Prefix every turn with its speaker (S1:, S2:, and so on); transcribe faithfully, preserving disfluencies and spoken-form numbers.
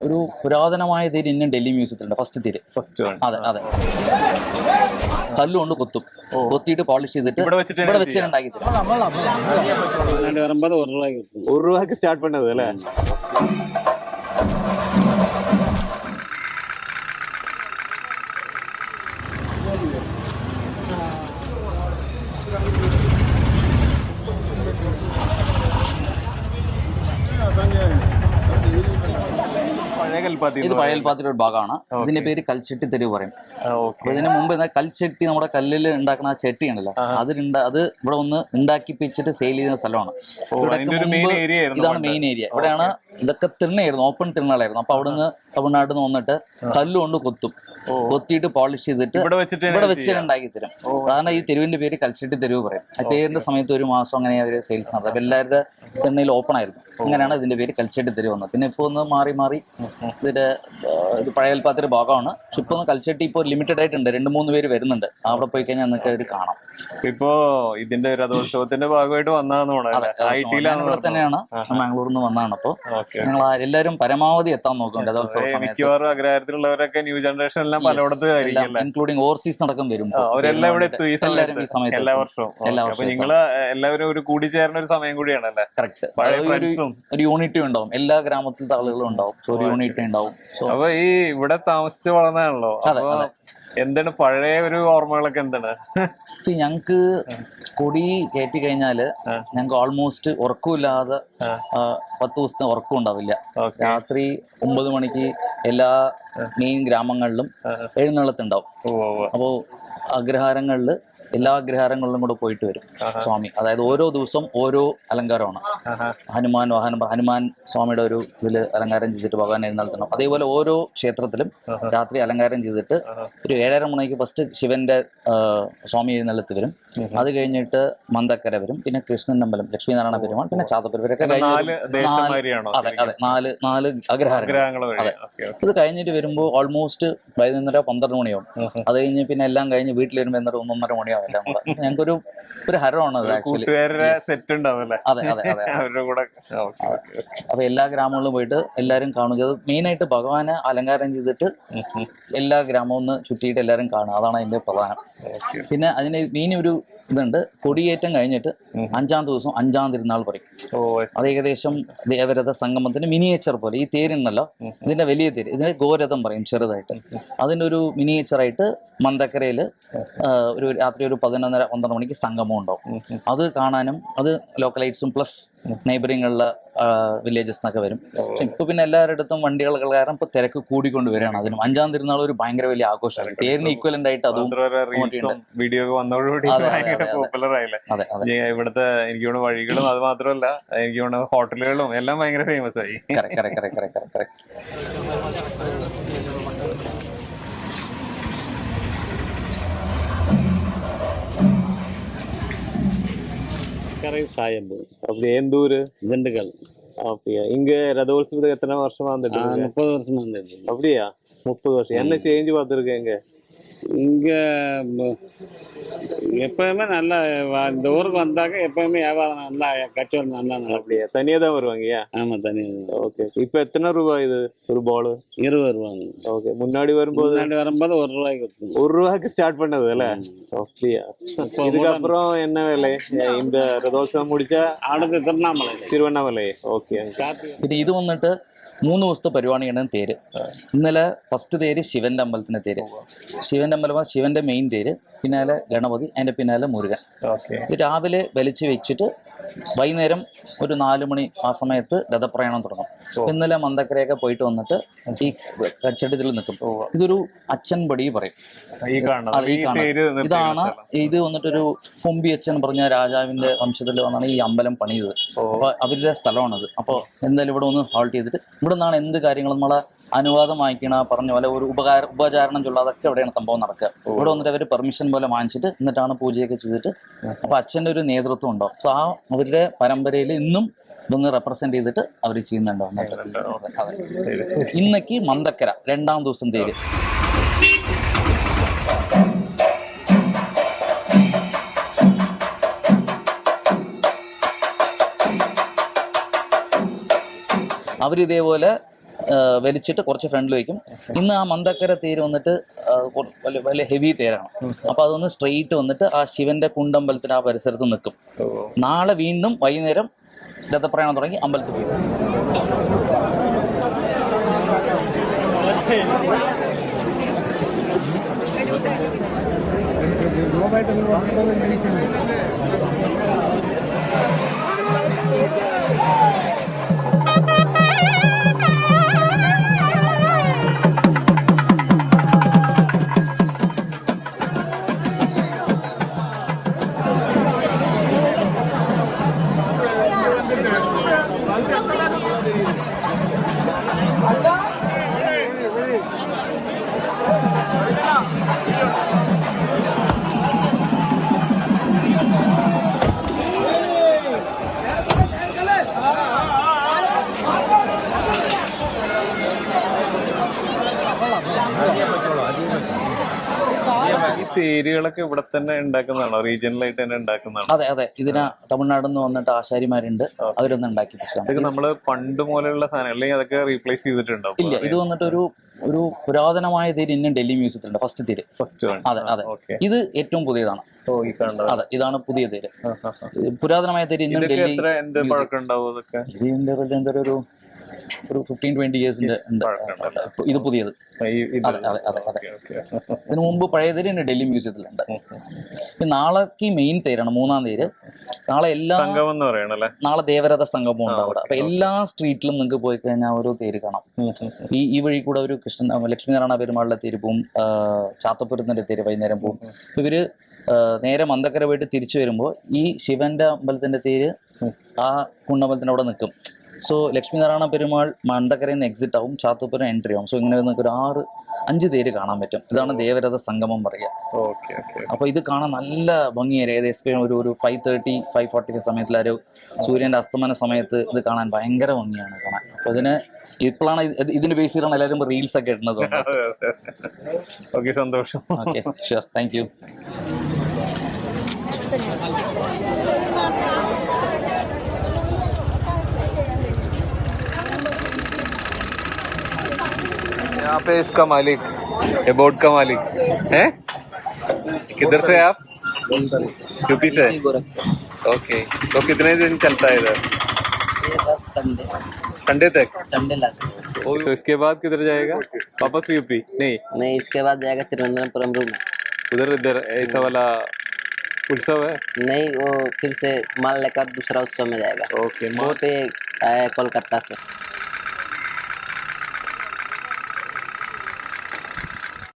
S1: ഒരു പുരാതനമായ തേര് ഇന്നും ഡൽഹി മ്യൂസിയത്തിലുണ്ട്. ഫസ്റ്റ് തേര്.
S2: ഫസ്റ്റ്
S1: അതെ അതെ. കല്ലുകൊണ്ട് കൊത്തും, കൊത്തിയിട്ട് പോളിഷ് ചെയ്തിട്ട് ഇവിടെ വെച്ചിട്ടുണ്ടാക്കി തരും.
S2: ഒരു രൂപയ്ക്ക് സ്റ്റാർട്ട് പണ്ടത് അല്ലേ?
S1: ഇത് പഴയ കൽപ്പാത്തിയുടെ ഒരു ഭാഗമാണ്. ഇതിന്റെ പേര് കൽച്ചെട്ടി തെരുവ് പറയും. ഇതിന് മുമ്പ് കൽച്ചെട്ടി നമ്മുടെ കല്ലിൽ ഉണ്ടാക്കുന്ന ആ ചെട്ടി ഉണ്ടല്ലോ, അതിലുണ്ട അത് ഇവിടെ ഒന്ന് ഉണ്ടാക്കിപ്പിച്ചിട്ട് സെയിൽ ചെയ്യുന്ന സ്ഥലമാണ്. ഇതാണ് മെയിൻ ഏരിയ. ഇവിടെയാണ് ഇതൊക്കെ തിണ്ണയായിരുന്നു, ഓപ്പൺ തിണ്ണകളായിരുന്നു. അപ്പൊ അവിടുന്ന് തമിഴ്നാട്ടിൽ നിന്ന് വന്നിട്ട് കല്ലുകൊണ്ട് കൊത്തും, കൊത്തിയിട്ട് പോളിഷ് ചെയ്തിട്ട് ഇവിടെ വെച്ചിട്ട് ഉണ്ടാക്കി തരും. സാധാരണ ഈ തെരുവിന്റെ പേര് കൽച്ചെട്ടി തെരുവ് പറയും. ആ തേരിന്റെ സമയത്ത് ഒരു മാസം അങ്ങനെ അവർ സെയിൽസ് നടത്തും. അപ്പൊ എല്ലാവരുടെ തിണ്ണയിൽ ഓപ്പൺ ആയിരുന്നു. അങ്ങനെയാണ് ഇതിന്റെ പേര് കൽച്ചെട്ടി തെരുവ് വന്നത്. പിന്നെ ഇപ്പൊ ഒന്ന് മാറി മാറി ഇതിന്റെ ഇത് പഴയ കൽപ്പാത്തിയുടെ ഭാഗമാണ്. പക്ഷെ ഇപ്പൊ ഒന്ന് കൽച്ചെട്ടി ഇപ്പോൾ ലിമിറ്റഡ് ആയിട്ടുണ്ട്. രണ്ട് മൂന്ന് പേര് വരുന്നുണ്ട്. അവിടെ പോയി കഴിഞ്ഞാൽ നിങ്ങൾക്ക് അവർ കാണാം.
S2: ഇപ്പോ ഇതിന്റെ രഥോത്സവത്തിന്റെ ഭാഗമായിട്ട് വന്നതാണെന്ന്
S1: ഇവിടെ തന്നെയാണ്, ബാംഗ്ലൂരിൽ നിന്ന് വന്നതാണ്. അപ്പൊ ഞങ്ങൾ എല്ലാവരും പരമാവധി എത്താൻ നോക്കും രഥോത്സവ സമയത്ത്.
S2: അഗ്രഹത്തിലുള്ളവരൊക്കെ ന്യൂ ജനറേഷൻ എല്ലാം പലയിടത്ത്
S1: ഇൻക്ലൂഡിംഗ് ഓവർസീസ് നടക്കം വരും.
S2: അവരെല്ലാം ഇവിടെ എത്തും ഈ സമയത്ത്, എല്ലാ വർഷവും. അപ്പൊ നിങ്ങള് എല്ലാവരും ഒരു കൂടിച്ചേരുന്ന ഒരു സമയം കൂടിയാണല്ലേ?
S1: കറക്റ്റ്. ഒരു യൂണിറ്റി ഉണ്ടാവും, എല്ലാ ഗ്രാമത്തിലത്തെ ആളുകളും ഉണ്ടാവും. ഒരു യൂണിറ്റി ഉണ്ടാവും.
S2: അപ്പൊ ഈ ഇവിടെ താമസിച്ച് വളർന്നതാണല്ലോ, എന്താണ് പഴയ ഒരു ഓർമ്മകളൊക്കെ എന്താണ്?
S1: ഞങ്ങക്ക് കൊടി കയറ്റി കഴിഞ്ഞാല് ഞങ്ങക്ക് ഓൾമോസ്റ്റ് ഉറക്കമില്ലാതെ പത്ത് ദിവസത്തെ ഉറക്കം ഉണ്ടാവില്ല. രാത്രി ഒമ്പത് മണിക്ക് എല്ലാ മെയിൻ ഗ്രാമങ്ങളിലും എഴുന്നള്ളത്തുണ്ടാവും. അപ്പോ അഗ്രഹാരങ്ങളില് എല്ലാ അഗ്രഹാരങ്ങളിലും കൂടെ പോയിട്ട് വരും സ്വാമി. അതായത് ഓരോ ദിവസം ഓരോ അലങ്കാരമാണ്. ഹനുമാൻ വാഹനം, ഹനുമാൻ സ്വാമിയുടെ ഒരു ഇതില് അലങ്കാരം ചെയ്തിട്ട് ഭഗവാൻ എഴുന്നള്ളത്തണം. അതേപോലെ ഓരോ ക്ഷേത്രത്തിലും രാത്രി അലങ്കാരം ചെയ്തിട്ട് ഒരു ഏഴര മണിക്ക് ഫസ്റ്റ് ശിവന്റെ സ്വാമി എഴുന്നള്ളത്ത് വരും. അത് കഴിഞ്ഞിട്ട് മന്ദക്കര വരും, പിന്നെ കൃഷ്ണൻ അമ്പലം, ലക്ഷ്മീനാരായണ പെരുമാൾ, പിന്നെ ചാത്തപ്പുര ഇവരൊക്കെ അതെ അതെ നാല് നാല് അഗ്രഹാരങ്ങൾ. അതെ. ഇത് കഴിഞ്ഞിട്ട് വരുമ്പോൾ ഓൾമോസ്റ്റ് വൈകുന്നേരം പന്ത്രണ്ട് മണിയാവും. അത് കഴിഞ്ഞ് പിന്നെ എല്ലാം കഴിഞ്ഞ് വീട്ടിൽ വരുമ്പോൾ എന്നൊരു ഒന്നൊന്നര മണിയാവും. ഞങ്ങൾക്കൊരു ഒരു ഹരമാണ് അത് ആക്ച്വലി. അതെ അതെ അതെ. അപ്പൊ എല്ലാ ഗ്രാമങ്ങളിലും പോയിട്ട് എല്ലാവരും കാണുക. മെയിൻ ആയിട്ട് ഭഗവാനെ അലങ്കാരം ചെയ്തിട്ട് എല്ലാ ഗ്രാമവും ഒന്ന് ചുറ്റിയിട്ട് എല്ലാവരും കാണുക. അതാണ് അതിന്റെ പ്രധാനം. പിന്നെ അതിന് മെയിൻ ഒരു ഇതുണ്ട്. കൊടിയേറ്റം കഴിഞ്ഞിട്ട് അഞ്ചാം ദിവസം അഞ്ചാം തിരുനാൾ പറയും. അത് ഏകദേശം ദേവരഥ സംഗമത്തിന്റെ മിനിയേച്ചർ പോലെ. ഈ തേരുണ്ടല്ലോ, ഇതിന്റെ വലിയ തേര്, ഇതിന് ഗോരഥം പറയും ചെറുതായിട്ട്. അതിന്റെ ഒരു മിനിയേച്ചറായിട്ട് മന്ദക്കരയില് ഒരു രാത്രി ഒരു പതിനൊന്നര പന്ത്രണ്ട് മണിക്ക് സംഗമം ഉണ്ടാവും. അത് കാണാനും അത് ലോക്കലൈറ്റ്സും പ്ലസ് നെയ്ബറിങ്ങുള്ള വില്ലേജസ് എന്നൊക്കെ വരും. ഇപ്പൊ പിന്നെ എല്ലാവരുടെ അടുത്തും വണ്ടികൾ കാരണം ഇപ്പൊ തിരക്ക് കൂടിക്കൊണ്ട് വരികയാണ്. അതിനും അഞ്ചാം തിരുനാൾ ഒരു ഭയങ്കര വലിയ ആഘോഷമാണ്. തേരിന് ഈക്വലന്റ് ആയിട്ട് അതും
S2: വീഡിയോ ഇവിടുത്തെ എനിക്ക് തോന്നുന്നു വഴികളും അത് മാത്രമല്ല എനിക്ക് തോന്നുന്നു ഹോട്ടലുകളും എല്ലാം ഭയങ്കര ഫേമസ് ആയി.
S3: சாயம்பு
S2: அப்படி எந்த ஊரு?
S3: திண்டுக்கல்.
S2: அப்படியா? இங்க ரதோத்சவத்துக்கு எத்தனை வருஷமா வந்துட்டு?
S3: முப்பது வருஷமா வந்துட்டு.
S2: அப்படியா? முப்பது வருஷம். என்ன சேஞ்ச் பார்த்துருக்கேங்க
S3: இங்க? எப்பயுமே நல்லா இந்த ஊருக்கு வந்தாக்க எப்பயுமே வியாபாரம் நல்லா கச்சவரம் நல்லா நல்லா.
S2: அப்படியா? தனியா தான் வருவாங்கயா?
S3: ஆமா தனியா.
S2: ஓகே. இப்போ எத்தனை ரூபாய் இது ஒரு பால்?
S3: இருபது ரூபாங்க.
S2: ஓகே. முன்னாடி வரும்போது
S3: முன்னாடி வரும்போது ஒரு ரூபாய்க்கு
S2: ஒரு ரூபாய்க்கு ஸ்டார்ட் பண்ணது இல்ல? அப்படியா? இதுக்கப்புறம் என்ன விலை இந்த ரதோத்சவம் முடிச்சா?
S3: அடுத்து திருவண்ணாமலை.
S2: திருவண்ணாமலை. ஓகே.
S1: പിന്നെ ഇത് വന്നിട്ട് മൂന്ന് ദിവസത്തെ പരിപാടിയാണ് തേര്. ഇന്നലെ ഫസ്റ്റ് തേര് ശിവന്റെ അമ്പലത്തിന്റെ തേര്. ശിവന്റെ അമ്പലം ശിവന്റെ മെയിൻ തേര്, പിന്നാലെ ഗണപതി, അതിന്റെ പിന്നാലെ മുരുകൻ. ഇത് രാവിലെ വലിച്ചു വെച്ചിട്ട് വൈകുന്നേരം ഒരു നാലു മണി ആ സമയത്ത് രഥപ്രയാണം തുടങ്ങും. ഇന്നലെ മന്ദക്കരയൊക്കെ പോയിട്ട് വന്നിട്ട് ഈ കച്ചടത്തിൽ നിൽക്കും. ഇതൊരു അച്ഛൻ പടി പറയും. ഈ കാണുന്നത് ഇതാണ്. ഇത് വന്നിട്ടൊരു കൊമ്പി അച്ഛൻ പറഞ്ഞ രാജാവിന്റെ വംശത്തിൽ വന്നാണ് ഈ അമ്പലം പണിയത്. അപ്പൊ അവരുടെ സ്ഥലമാണത്. അപ്പോൾ എന്തായാലും ഇവിടെ ഒന്ന് ഹോൾട്ട് ചെയ്തിട്ട് ഇവിടെ നിന്നാണ് എന്ത് കാര്യങ്ങളും നമ്മളെ അനുവാദം വാങ്ങിക്കണ പറഞ്ഞ പോലെ ഒരു ഉപകാര ഉപചാരണം ചൊല്ല അതൊക്കെ എവിടെയാണ് സംഭവം നടക്കുക. ഇവിടെ വന്നിട്ട് അവർ പെർമിഷൻ പോലെ വാങ്ങിച്ചിട്ട് എന്നിട്ടാണ് പൂജയൊക്കെ ചെയ്തിട്ട്. അപ്പൊ അച്ഛൻ്റെ ഒരു നേതൃത്വം ഉണ്ടാവും. സോ ആ അവരുടെ പരമ്പരയിൽ ഇന്നും ഇതൊന്ന് റെപ്രസെന്റ് ചെയ്തിട്ട് അവർ ചെയ്യുന്നുണ്ടോ. ഇന്നേക്ക് മന്ദക്കര രണ്ടാം ദിവസം തേര്. അവരിതേപോലെ വലിച്ചിട്ട് കുറച്ച് ഫ്രണ്ടിൽ വയ്ക്കും. ഇന്ന് ആ മന്ദക്കര തേര് വന്നിട്ട് ആ, കൊ- വലിയ വലിയ ഹെവി തേരാണ്. അപ്പോൾ അതൊന്ന് സ്ട്രെയിറ്റ് വന്നിട്ട് ആ ശിവന്റെ കുണ്ടമ്പലത്തിന് ആ പരിസരത്ത് നിൽക്കും. നാളെ വീണ്ടും വൈകുന്നേരം രഥപ്രയാണം തുടങ്ങി അമ്പലത്തിൽ പോയി.
S2: ഈ തേരുകളൊക്കെ ഇവിടെ തന്നെ ഉണ്ടാക്കുന്നതാണോ, റീജിയണലായിട്ട് തന്നെ ഉണ്ടാക്കുന്നതാണോ?
S1: അതെ അതെ, ഇതിന് തമിഴ്നാട്ടിൽ നിന്ന് വന്നിട്ട് ആശാരിമാരുണ്ട്, അവരൊന്നും ഉണ്ടാക്കി വെച്ചതാണ്.
S2: ഇതൊക്കെ നമ്മള് പണ്ട് മുതലുള്ള സാധനം അല്ലെങ്കിൽ അതൊക്കെ റീപ്ലേസ് ചെയ്തിട്ടുണ്ടോ?
S1: ഇല്ല, ഇത് വന്നിട്ട് ഒരു ഒരു പുരാതനമായ തേര് ഇന്നും ഡൽഹി മ്യൂസിയത്തിലുണ്ട്, ഫസ്റ്റ് തേര്.
S2: ഫസ്റ്റ്
S1: അതെ അതെ, ഇത് ഏറ്റവും പുതിയതാണ്.
S2: ഓ, ഈ കാണുന്നത്.
S1: അതെ, ഇതാണ് പുതിയ തേര്. പുരാതനമായ തേര് ഇന്നും
S2: ഇതൊക്കെ
S1: ഡൽഹി.
S2: എത്ര എന്ത് പഴക്കം ഉണ്ടാവും അതൊക്കെ?
S1: ഇതിന്റെ എന്താ ഒരു ഒരു ഫിഫ്റ്റീൻ ട്വന്റി ഇയേഴ്സിന്റെ ഉണ്ട്. ഇത് പുതിയത്.
S2: ഈ- ഇത്
S1: അതെ അതെ അതെ അതെ.
S2: ഓക്കെ.
S1: ഇതിനു മുമ്പ് പഴയ തേര് ഉണ്ട് ഡൽഹി മ്യൂസിയത്തിലുണ്ട്. ഇനി നാളേക്ക് മെയിൻ തേരാണ്, മൂന്നാം തേര്. നാളെ എല്ലാ
S2: സംഗമം എന്ന് പറയണല്ലേ?
S1: നാളെ ദേവരഥ സംഗമം ഉണ്ട് അവിടെ. അപ്പൊ എല്ലാ സ്ട്രീറ്റിലും നിങ്ങൾക്ക് പോയി കഴിഞ്ഞാൽ ഓരോ തേര് കാണാം. ഈ ഈ വഴി കൂടെ ഒരു കൃഷ്ണൻ ലക്ഷ്മീനാരായണ പെരുമാളിന്റെ തേര് പോവും, ചാത്തപ്പുരത്തിന്റെ തേര് വൈകുന്നേരം പോവും. അപ്പൊ ഇവര് ആ, നേരെ മന്ദക്കര പോയിട്ട് തിരിച്ചു വരുമ്പോൾ ഈ ശിവന്റെ അമ്പലത്തിന്റെ തേര് ആ കുണ്ടമ്പലത്തിന്റെ അവിടെ നിൽക്കും. സോ ലക്ഷ്മീനാരായണ പെരുമാൾ മന്ദക്കരയിൽ നിന്ന് എക്സിറ്റ് ആവും, ചാത്തപ്പുരം എൻട്രി ആവും. സോ ഇങ്ങനെ നിങ്ങൾക്ക് ഒരു ആറ് അഞ്ച് തേര് കാണാൻ പറ്റും. ഇതാണ് ദേവരഥ സംഗമം പറയുക.
S2: Okay okay.
S1: അപ്പോൾ ഇത് കാണാൻ നല്ല ഭംഗിയായിരുന്നു. ഏകദേശം ഒരു ഒരു five thirty five forty five സമയത്തിൽ ഒരു സൂര്യൻ്റെ അസ്തമന സമയത്ത് ഇത് കാണാൻ ഭയങ്കര ഭംഗിയാണ് കാണാൻ. അപ്പോൾ ഇതിന് ഇപ്പോഴാണ് ഇത് ഇതിന്റെ ബേസ് ചെയ്താണ് എല്ലാവരും റീൽസ് ഒക്കെ ഇടുന്നത്.
S2: ഓക്കെ, സന്തോഷം.
S1: Okay, sure, thank you.
S2: यहाँ पे इसका मालिक, ये बोर्ड का मालिक है। किधर से आप? यूपी से। ओके, तो कितने दिन चलता है इधर?
S4: ये बस संडे
S2: संडे तक?
S4: Sunday last.
S2: तो इसके बाद किधर जाएगा? वापस यूपी? नहीं,
S4: नहीं, इसके बाद जाएगा तिरुवनंतपुरम रूम।
S2: उधर इधर ऐसा वाला उत्सव है?
S4: नहीं, वो फिर से माल लेकर दूसरा उत्सव में जाएगा।
S2: ओके,
S4: वो तो ये आया है कोलकाता से।